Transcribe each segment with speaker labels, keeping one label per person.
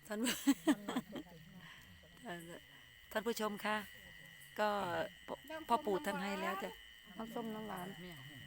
Speaker 1: ท่านท่านผู้ชมคะก็พ่อปู่ท่านให้แล้วจ้ะน้ำส้มน้ำหวาน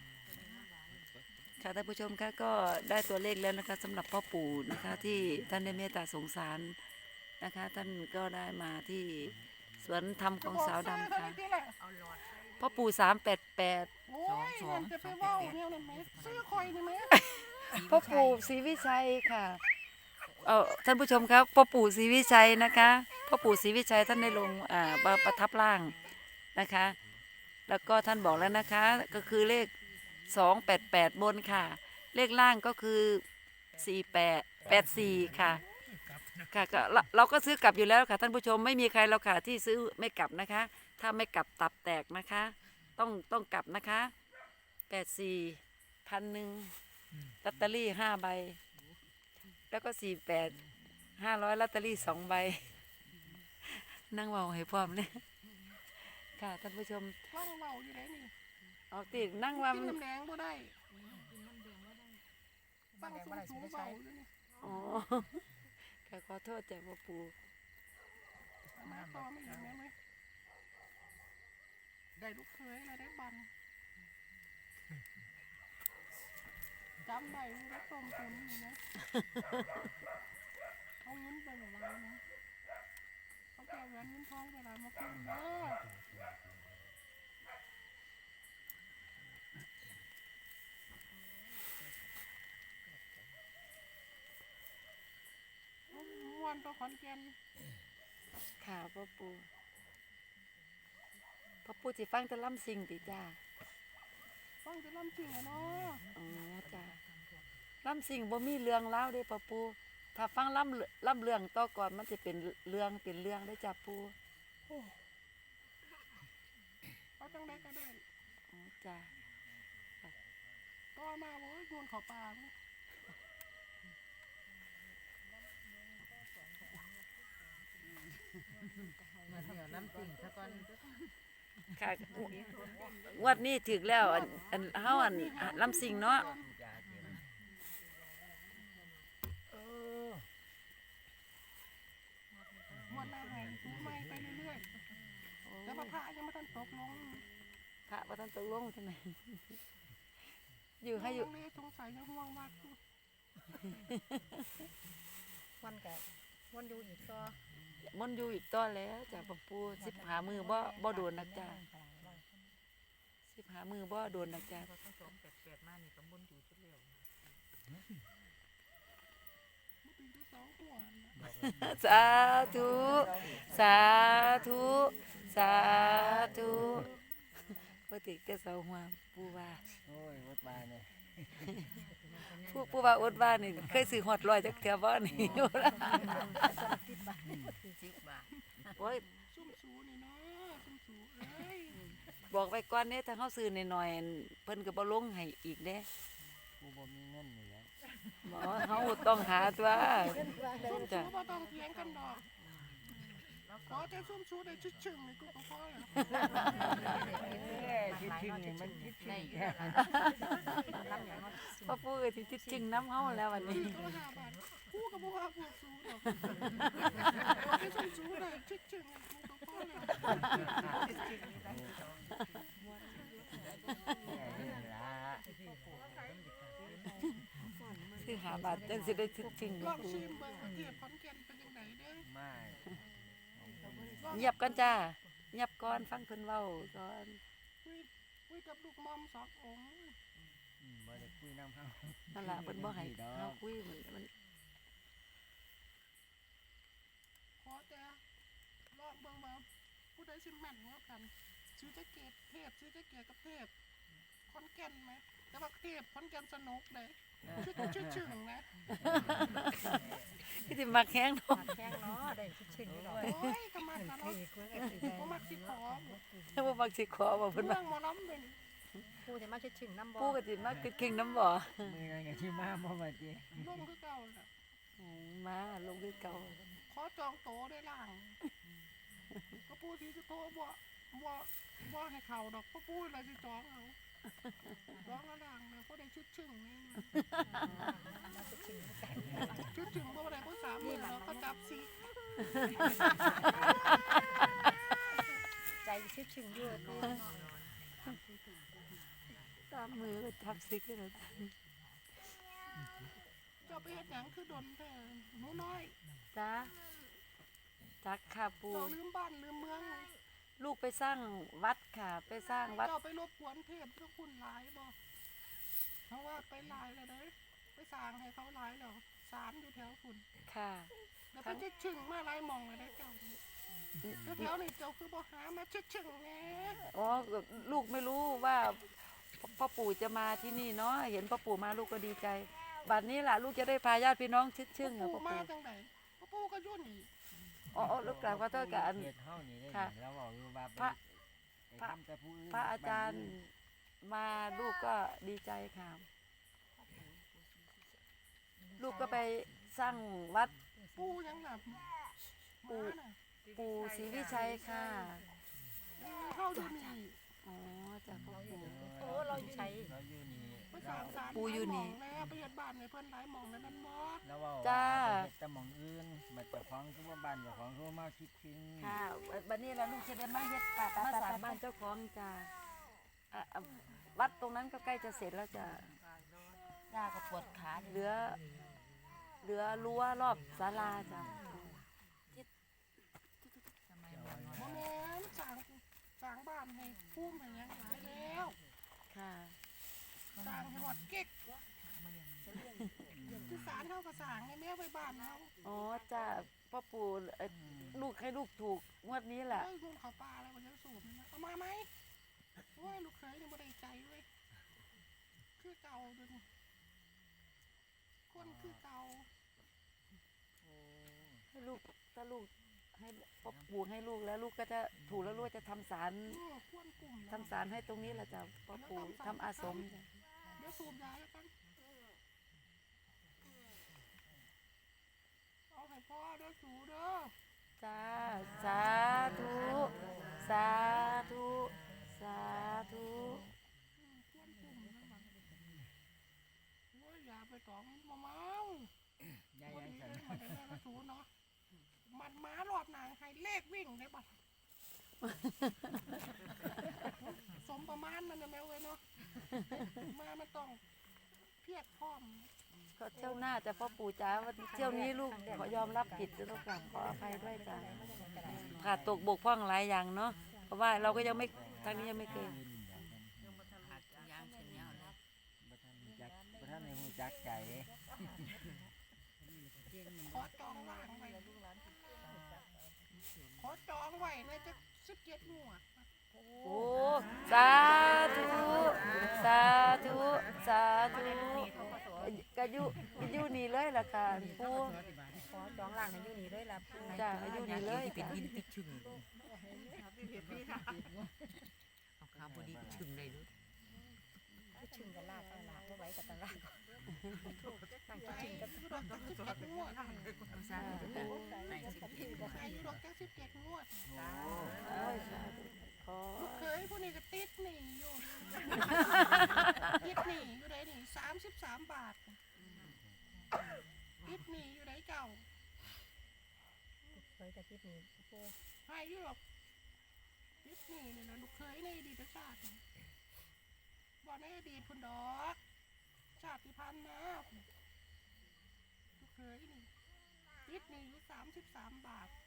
Speaker 1: ค่ะท่านผู้ชมคะก็ได้ตัวเลขแล้วนะคะสำหรับพ่อปู่นะคะที่ท่านได้เมตตาสงสารนะคะท่านก็ได้มาที่สวนธรรมของสาวดำค่ะพ่อปู่388
Speaker 2: โอ้ยเงินจะไปเว่าเนี่ยเลยไหมซื้อคอยได้ไหม
Speaker 1: พ่อปู่ศรีวิชัยค่ะท่านผู้ชมครับพ่อปู่ศรีวิชัยนะคะพ่อปู่ศรีวิชัยท่านได้ลงประทับร่างนะคะแล้วก็ท่านบอกแล้วนะคะก็คือเลข288บนค่ะเลขล่างก็คือ4884ค่ะค่ะก็เราก็ซื้อกลับอยู่แล้วค่ะท่านผู้ชมไม่มีใครเราค่ะที่ซื้อไม่กลับนะคะถ้าไม่กลับตับแตกนะคะต้องกลับนะคะ84,100ลอตเตอรี่5 ใบแล้วก็48 500ลอตเตอรี่2 ใบนั่งเว้าให้พร้อมเลยค่ะท่านผู้ชม
Speaker 2: ว่างเมาอยู่ไหนนี่
Speaker 1: เอาติดนั่งว่า
Speaker 2: กินน้ำแดงบ่ได้ตั้งสูงเบาอยู่นี่
Speaker 1: อ๋อค่ะขอโทษจากพ่อปู่
Speaker 2: มาต่อไม่อีกไหมได้ลูกเคยแล้วได้บันจำได้แล้วต้มตุนนี่นะเอาเงินไปหมดเลยนะเขาแก้เงินทองไปแล้วมาคืนเด้อวันตัวขอนแก่น
Speaker 1: ค่ะพ่อปู่สิฟังแต่ล่ำสิ่งติจ้า
Speaker 2: ฟังจะล่ำสิ่งอะเนาะ
Speaker 1: อ๋อจ้าล่ำสิ่งบ่มีเรื่องเล่าเด้พ่อปู่ถ้าฟังล่ำเรื่องต่อก่อนมันจะเป็นเรื่องได้จ้าปู่
Speaker 2: เอาจังได้ก็ได้
Speaker 1: อ๋อจ้า
Speaker 2: ก็มาโว้ยโยนเขาปาก
Speaker 3: มาเดี๋ยวน้ำติ่งซะก่อน
Speaker 1: ค่ะงวดนี้ถึกแล้วเฮาลำสิ่งเนาะ
Speaker 2: วันหน้าให้ซื้อไม้ไปเรื่อยๆแล้วพระยังไม่ทันตกลง
Speaker 1: พระท่านตกลงใช่ไหมอยู่ให้อยู่
Speaker 2: สงสัยจะห่วงวัด
Speaker 3: วันแกวันอยู่อีกก็
Speaker 1: มันอยู่อีกต่อแล้วจากพ่อปู่15 มือบ่โดนนักจ้า15 มือบ่โดนนักจ้า
Speaker 3: 288มานี่ก็บนอยู่ชุดเร็ว
Speaker 1: สาธุสาธุสาธุปกติก็เสาหัวปู่ว่า
Speaker 4: โอ้ยวัดบ้านเนี่ย
Speaker 1: ปู่ว่าอดว่านี่เคยซื้อฮอด100จักเทื่อบ่นี่โอ้ย
Speaker 2: ซุ่มสูนี่เนาะซุ่มสูเอ้ย
Speaker 1: บอกไว้ก่อนเด้ถ้าเฮาซื้อน้อยๆเพิ่นก็บ่ลงให้อีกเด้
Speaker 4: กูบ่มีเงินนี่แหละ
Speaker 1: บ่เฮาต้องหาตัว
Speaker 2: ซุ่มสูบ่ต้องเถียงกันดอกขอแต่ซุ่มสูได้ชึ่งๆนี่กูก็พอแล้ว
Speaker 4: คิดถึงนี่มันคิดถึงแค่
Speaker 1: พ่อปู่ก็สิจริงน้ำเฮาแล้ววันนี้
Speaker 2: ก็5 บาทกูก็บ่ว่าพวกสูดอกขอแต่ซุ่มสูได้ชึ่งๆกูก็พอแล้ว
Speaker 1: คือ5 บาทจังสิได้จริง
Speaker 2: ลองชิมเบิ่งเทียบขอนแก่นเป็นจังไดเด้อ
Speaker 4: ไม่
Speaker 1: เงียบก่อนจ้าเงียบก่อนฟังเพิ่นเว้าก่อน
Speaker 2: คุยกับลูกมอม2 องค์
Speaker 4: บ่ได้คุยนำเฮา
Speaker 1: นั่นล่ะเพิ่นบ่ให้เฮาคุยมัน
Speaker 2: ขอแต่ลองเบิ่งว่าผู้ใดสิแม่นกว่ากันซื้อแจ็คเก็ตเทพซื้อแจ็คเก็ตกับเทพขอนแก่นไหมแต่ว่าเทพขอนแก่นสนุกเลยชึ่งๆนะ
Speaker 1: พี่ติมักแห้งเนาะ
Speaker 3: แข้งเนาะได้ชึ่งๆนี่ดอก
Speaker 2: โอ้ยก็มาตลอดบ่มักสิขอ
Speaker 1: บ่มักสิขอบ่เพิ่นว่า
Speaker 2: เรื่องหมอลำเด้อ
Speaker 3: ปู่สิมาชึ่งๆน้ำบ่
Speaker 1: ปู่ก็สิมาเก่งน้ำบ่
Speaker 4: มื้อนั้นก็สิมาบ่ว่าติ
Speaker 2: ลงคือเก่าน่ะ
Speaker 1: มาลงคือเก่า
Speaker 2: ขอจองโตได้ล่างก็ปู่สิจะโตบ่ให้เข้าดอกเพราะปู่อะไรสิจองเอาจองละล่างนะเพราะได้ชึ่งๆนี่
Speaker 3: ถึงน้ำกัน
Speaker 2: ชุดถึงบ่ได้บ่3มื้อแล้วก็จับสิ
Speaker 3: ใจชึดชึงอยู่เนาะ
Speaker 1: ตามมือก็ทับซิกเลย
Speaker 2: เจ้าไปเฮ็ดหยังคือดนแท้หนูน้อย
Speaker 1: จ้าจักค่ะปู
Speaker 2: เจ้าลืมบ้านลืมเมือง
Speaker 1: ลูกไปสร้างวัดค่ะ ไปสร้างวัด
Speaker 2: เจ้าไปรบกวนเทพเจ้าคุณหลายบ่เพราะว่าไปหลายแล้วเด้อไปสร้างให้เขาหลายแล้วศาลอยู่แถวคุณ
Speaker 1: ค่ะ
Speaker 2: แล้วไปชึ่งมาหลายหม่องแล้วได้เจ้าแถวนี้เจ้าคือบ่หามาชึ่งแหน่
Speaker 1: อ๋อลูกไม่รู้ว่าพ่อปู่จะมาที่นี่เนาะเห็นพ่อปู่มาลูกก็ดีใจ บัดนี้ล่ะลูกจะได้พาญาติพี่น้องชึ่งๆเหรอ
Speaker 2: ปู่
Speaker 1: พ่อ
Speaker 2: มา
Speaker 1: ปู่
Speaker 2: จังไดปู่ก็อยู่นี่
Speaker 1: อ๋อลูกกล่าวขอโทษกับอัน
Speaker 4: เขตเฮานี่ได้
Speaker 1: ค่ะ
Speaker 4: แล้วบอกอยู่ว่า
Speaker 1: พระ
Speaker 4: ไปทำแต่ผู้อื่น
Speaker 1: พระอาจารย์มาลูกก็ดีใจค่ะ ลูกก็ไปสร้างวัด
Speaker 2: ปู่ยังล่ะ
Speaker 1: ปู่
Speaker 2: มาน่ะ
Speaker 1: ปู่ศรีวิชัยค่ะ
Speaker 2: เฮาอยู่นี่
Speaker 1: อ๋อจากพ่อปู่
Speaker 3: โอ้เราใช้
Speaker 4: เราอยู่นี่
Speaker 2: ไปสร้างศาล
Speaker 1: ปู่อยู่นี่
Speaker 2: หลายหม่องแล้วไปเฮ็ดบ้านให้เพิ่นหลายหม่องแล้วนั่นบ่
Speaker 4: แล้วเว่า
Speaker 1: จ้า
Speaker 4: ไปเฮ็ดแต่หม่องอื่นมาเจ้าของคือว่าบ้านเจ้าของคือว่ามาคิดถึง
Speaker 1: ค่ะบัดนี้แล้วลูกจะได้มาเฮ็ดมาสร้างบ้านเจ้าของจ้าวัดตรงนั้นก็ใกล้จะเสร็จแล้วจ้ะ
Speaker 5: ย่าก็ปวดขา
Speaker 1: เหลือรั้วรอบศาลาจ้ะ
Speaker 2: บ่แม่นสร้างบ้านให้ภูมิให้หยังหลายแล้ว
Speaker 1: ค่ะ
Speaker 2: สร้างให้ฮอดเก๊กคือศาลเฮาก็สร้างให้แม่ไว้บ้านเฮา
Speaker 1: อ๋อจ้ะพ่อปู่ลูกให้ลูกถูกงวดนี้แหละ
Speaker 2: เอ้ยคุณเขาปลาอะไรมันจะสูบนะเอามาไหมโอ้ยลูกเคยยังไม่ได้ใจเว้ยคือเก่าดูนี่คนคือเก่า
Speaker 1: ให้ลูกถ้าลูกให้พ่อปู่ให้ลูกแล้วลูกก็จะถูกแล้วลูกจะทำศาล
Speaker 2: ควรกลุ่ม
Speaker 1: ทำศาลให้ตรงนี้แหละจ้ะพ่อปู่ทำอาสมจ้ะ
Speaker 2: เดี๋ยวสูบยาแล้วกันเอาให้พ่อเด้อสูเด้อ
Speaker 1: จ้าสาธุสาธุสาธุ
Speaker 2: ควรกลุ่มนะมันโอ้ยอย่าไปตองมาเมา
Speaker 4: ย่า
Speaker 2: วัน
Speaker 4: ยัง
Speaker 2: นี้
Speaker 4: สัน
Speaker 2: เลยมาได้แม่มาสูเนาะมันม้ารอดนางให้เลขวิ่งได้บัดสมประมาณมันนะแมวเว้ยเนาะมามันต้องเพียรพร้อม
Speaker 1: ก็เที่ยวหน้าจะพ่อปู่จ้าวันเที่ยวนี้ลูกขอยอมรับผิดลูกกลับขออภัยด้วยจ้ะขาดตกบกพร่องหลายอย่างเนาะเพราะว่าเราก็ยังไม่ทางนี้ยังไม่เคย
Speaker 5: ยางเช่นยาวเลย
Speaker 4: บ่ทันได้ฮู้จักใจ
Speaker 2: ขอจองว่างไว้ขอจองไว้ในจะ17 งวด
Speaker 1: โอ้สาธุสาธุสาธุก็อยู่นี่เลยล่ะค่ะปู่
Speaker 3: ขอจองล่างให้อยู่นี่เลยล่ะ
Speaker 1: จ้าอยู่นี่เลย
Speaker 5: ที่เป็น
Speaker 1: จ้ะ
Speaker 5: วินติดชึงเอาขาบดีชึงเลยลูก
Speaker 3: ชึงกันลากเอาลากไว้กับตลาดตั้งชึงกับ
Speaker 2: อยู่ดอกจัก17 งวด
Speaker 5: เอาซะในสิบเอ็ด
Speaker 2: อายุดอกจัก17 งวด
Speaker 1: โอ้ยสาธุขอ
Speaker 2: ลูกเคยพวกนี้ก็ติดหนี้อยู่ ติดหนี้อยู่ไหนนี่33 บาทติดหนี้อยู่ไหนเจ้า
Speaker 3: เคยกับที่นี่โอ้
Speaker 2: ให้อยู่ดอกติดหนี้นี่นะลูกเคยในอดีตชาตินี่บ่ในอดีตพุ่นดอกชาติพันธุ์นะลูกเคยนี่ติดหนี้อยู่33 บาท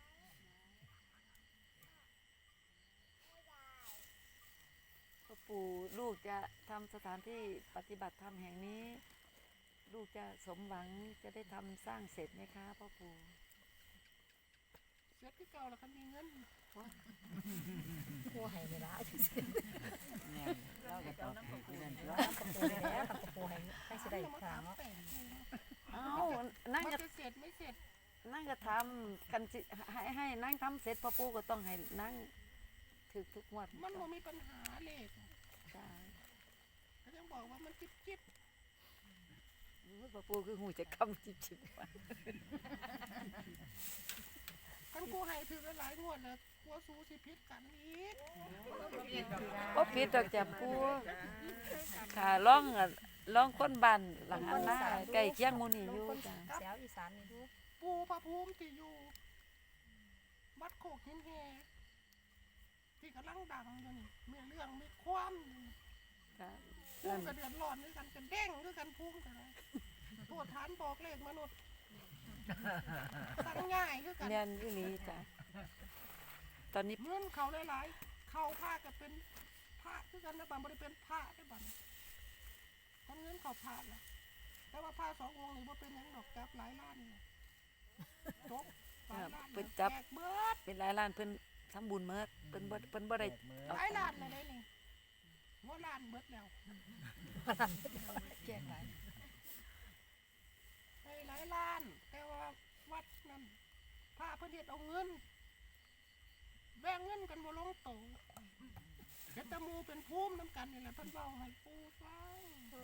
Speaker 1: พ่อปู่ลูกจะทำสถานที่ปฏิบัติธรรมแห่งนี้ ลูกจะสมหวังจะได้ทำสร้างเสร็จไหมคะพ่อปู่
Speaker 2: เสร็จคือเก่าแล้วคันมีเงิน
Speaker 3: โหให้เวลาสิ
Speaker 4: เนี่ยเราก็ตอบถูกอยู่นั่นตัว
Speaker 3: กระปูแล้วกระปูให้สิได้
Speaker 2: อย่ามา
Speaker 3: ครั้
Speaker 2: ถาง มแต่ง
Speaker 1: เอ้านั่ง
Speaker 2: มัน
Speaker 1: ก็
Speaker 2: จะเสร็จไม่เสร็จ
Speaker 1: นั่งก็ทำกันสิให้นั่งทำเสร็จพ่อปู่ก็ต้องให้นั่งถึกทุกงวด
Speaker 2: มันบ่มีปัญหาเลย
Speaker 1: จ้า
Speaker 2: ก็ยังบอกว่ามันจิ๊บ
Speaker 1: พ่อปู่คือหูจะคำจิบๆว่า
Speaker 2: คันกูให้ถือหลายงวดแล้วกลัวสู้สิพิษกันอีก
Speaker 1: บ่ผิดดอกจ้ะปู่ขาร้องอะร้องคนบ้านหลังอันหน้าใกล้เคียงหมู่นี่อยู่จ้ะ
Speaker 3: แซวอีสานนี่ดู
Speaker 2: ปูพระภูมิที่อยู่วัดโคกหินแฮที่กำลังดังอยู่นี่มีเรื่องมีความอยู่นี่
Speaker 1: จ้ะ
Speaker 2: ภูมิก็เดือดร้อนด้วยกันกันเด้งด้วยกันภูมิกันเลยตัวฐานบอกเลขมนุษย์สั่งง่ายด้วยกัน
Speaker 1: แม่นอีหลีจ้ะตอนนี้
Speaker 2: เงินเขาหลายๆเขาผ้าก็เป็นผ้าด้วยกันนะบังบริเป็นผ้าได้บังทำเงินเขาผ้าละแต่ว่าผ้า2 องค์นี่ว่าเป็นหยังดอกจับหลายล้านนี่จบหลายล้านแจกเบิด
Speaker 1: เป็นหลายล้านเพิ่นทำบุญเมิดเพิ่นบ่ได้
Speaker 2: หลายล้านเลยได้นี่ว่าล้านเบิดแล้ว
Speaker 3: แจ้งหลาย
Speaker 2: ให้หลายล้าน แต่ว่าวัดนั้นพระเพิ่นเฮ็ดเอาเงินแบ่งเงินกันบ่ลงโตเฮ็ดแตะมูเป็นภูมินํกันนี่แหละเพิ่นเว้าให้ปู่ฟัง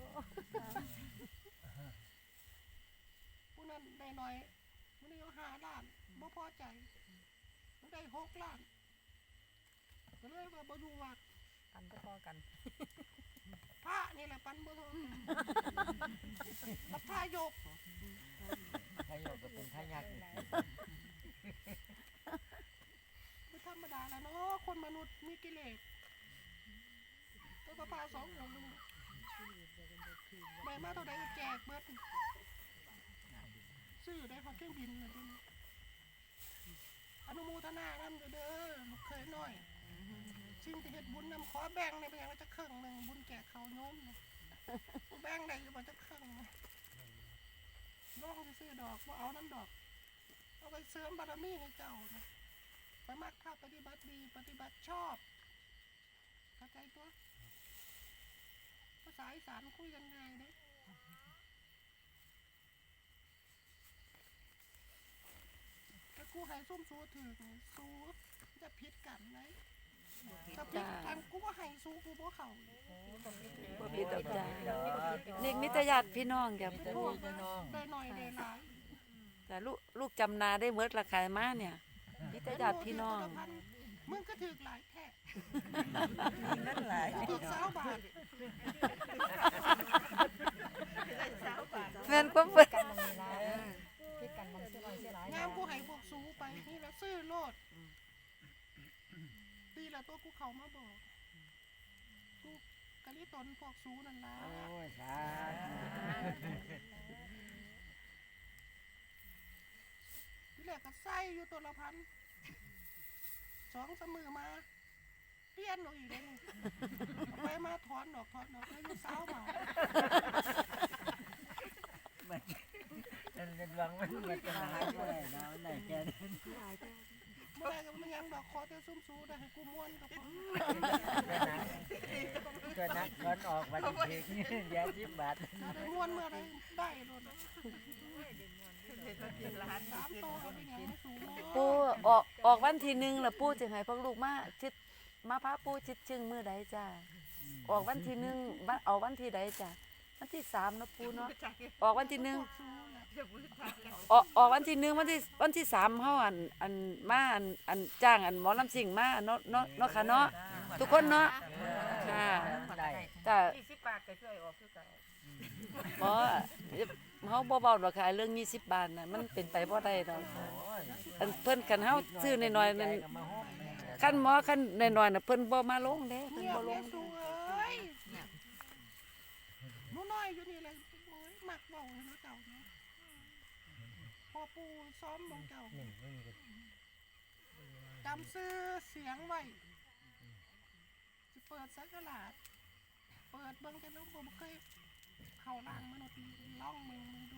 Speaker 2: ผู้นั้นได้น้อยมื้อนี้เอา5 ล้านบ่พอใจมันได้6 ล้านก็เลยว่าบ่อยู่วัด
Speaker 3: อันพอกัน
Speaker 2: พระนี่แหละปันบ่เท่ากันบัดพระยก
Speaker 4: ทายกก็เป็นทายาทอีก
Speaker 2: ไม่ธรรมดาแล้วเนาะคนมนุษย์มีกิเลสตัวปลา2 องค์นี่ได้มาเท่าใดก็แจกเบิดซื้อได้พอเครื่องบินเลยนี่อนุโมทนานำเด้อลูกเคยน้อยสิ่งที่เฮ็ดบุญนำขอแบ่งในเป็นอย่างละจะครึ่งหนึงบุญแก่เขาโน้มนะแบ่งได้อยู่บ่จะครึ่งนะน้องสิซื้อดอกบ่เอาน้ำดอกเอาไปเสริมบารมีให้เจ้านะไปมักภาพปฏิบัติดีปฏิบัติชอบเข้าใจตัวภาษาอีสานคุยกันง่ายเด้ถ้ากูให้ส้มสูถือนี่สูจะผิดกันไหมถ้าผิดกันกูว่าให้สูกูบ่เข้าเลย
Speaker 1: บ่ผิดดอกจ้ะนี่มิตรญาติพี่น้องจ้ะ
Speaker 2: ได้หน่อยได้หลาย
Speaker 1: แต่ลูกจำนาได้เมิดราคามาเนี่ยมิตรญาติพี่น้อง
Speaker 2: มึงก็ถือหลายแท้
Speaker 1: นั่นหลาย
Speaker 2: ถือ20 บาท
Speaker 1: แม่นความเพิ่น
Speaker 3: กันมันมีหลายคิดกันมันเสียหน่อยเสียหลาย
Speaker 2: งามกูให้พวกสูไปนี่ละซื้อโลดตีละตัวกูเข้ามาบอกกูกะลิตนพวกสูนั่นล่ะ
Speaker 4: โอ้ยสาธุ
Speaker 2: ที่แรกก็ใส่อยู่ตัวละพัน2-3 มือมาเปลี่ยนเอาอีกเลยนี่เอาไปมาถอนดอกแล้วอยู่20 บาท
Speaker 4: มันเป็นหวังมันจะหายไปเนาะไหนแกเดิน
Speaker 2: เมื่อไรก็มันยังดอกคอเตซุ่มสูได้ให้กูม้วนกับผม
Speaker 4: ก็นักก้อนออกมาทีนี่ยา10 บาท
Speaker 2: ได้ม้วนเมื่อไรได้โดน3 ตัวเป็นอย่างสูง
Speaker 1: ปู่ออกวันที่1แล้วปู่จะให้พวกลูกมาชิดมาพาปู่ชิดชึงมื้อใดจ้ะออกวันที่1วันเอาวันที่ใดจ้ะวันที่3เนาะปู่เนาะออกวันที่1ออกวันที่1วันที่3เฮาอันมาอันจ้างอันหมอลำซิ่งมาเนาะค่ะเนาะทุกคนเนาะค่ะ
Speaker 4: ได้
Speaker 1: จ้ะ
Speaker 5: 20 บาทก็ช่วยออกคือเก่า
Speaker 1: บ่เฮาบ่เว้าดอกค่ะเรื่อง20 บาทน่ะมันเป็นไปบ่ได้ดอก
Speaker 4: โอ้ย
Speaker 1: อันเพิ่นคันเฮาซื้อน้อยๆนั่น
Speaker 4: ก็มาห้อมแม่
Speaker 1: คันหมอคันน้อยๆน่ะเพิ่นบ่มาลงเด้เพิ่น
Speaker 2: เงีย
Speaker 1: บ่
Speaker 2: บ
Speaker 1: ล
Speaker 2: เลย
Speaker 1: ง
Speaker 2: สูเอ้ยหนูน้อยอยู่นี่เลยโอ้ยมักเบาเลยนะเจ้าเนาะพอปูซ้อมลงเจ้า
Speaker 4: นี่ไม่มีกัน
Speaker 2: จำซื้อเสียงไว้จะเปิดสักกะหลาดเปิดเบิ่งกันแล้วผมเคยเข้าล่างมนุษย์ล่องมึงดู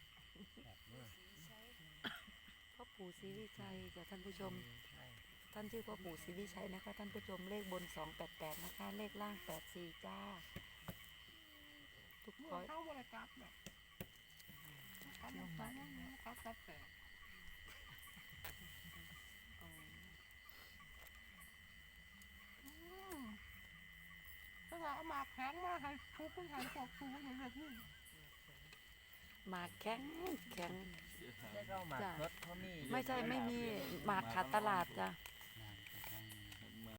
Speaker 1: พ่อปู่ศรีวิชัยจ้ะท่านผู้ชม ท่านชื่อพ่อปู่ศรีวิชัยนะคะท่านผู้ชมเลขบน288นะคะเลขล่าง84จ้าทุก
Speaker 2: เมื่
Speaker 1: ค
Speaker 2: อน เข้าบริกรรมแบบเขาบอกว่าเขาตัดแต่ถ้าเราเอามาแข็งมาให้ทุกคนให้พวกสูงอย่างแบบนี้
Speaker 1: หมากแข็ง
Speaker 4: ได้ก็หมากรถเขามี
Speaker 1: ไม่ใช่ไม่มีหมากขาดตลาดจ้ะ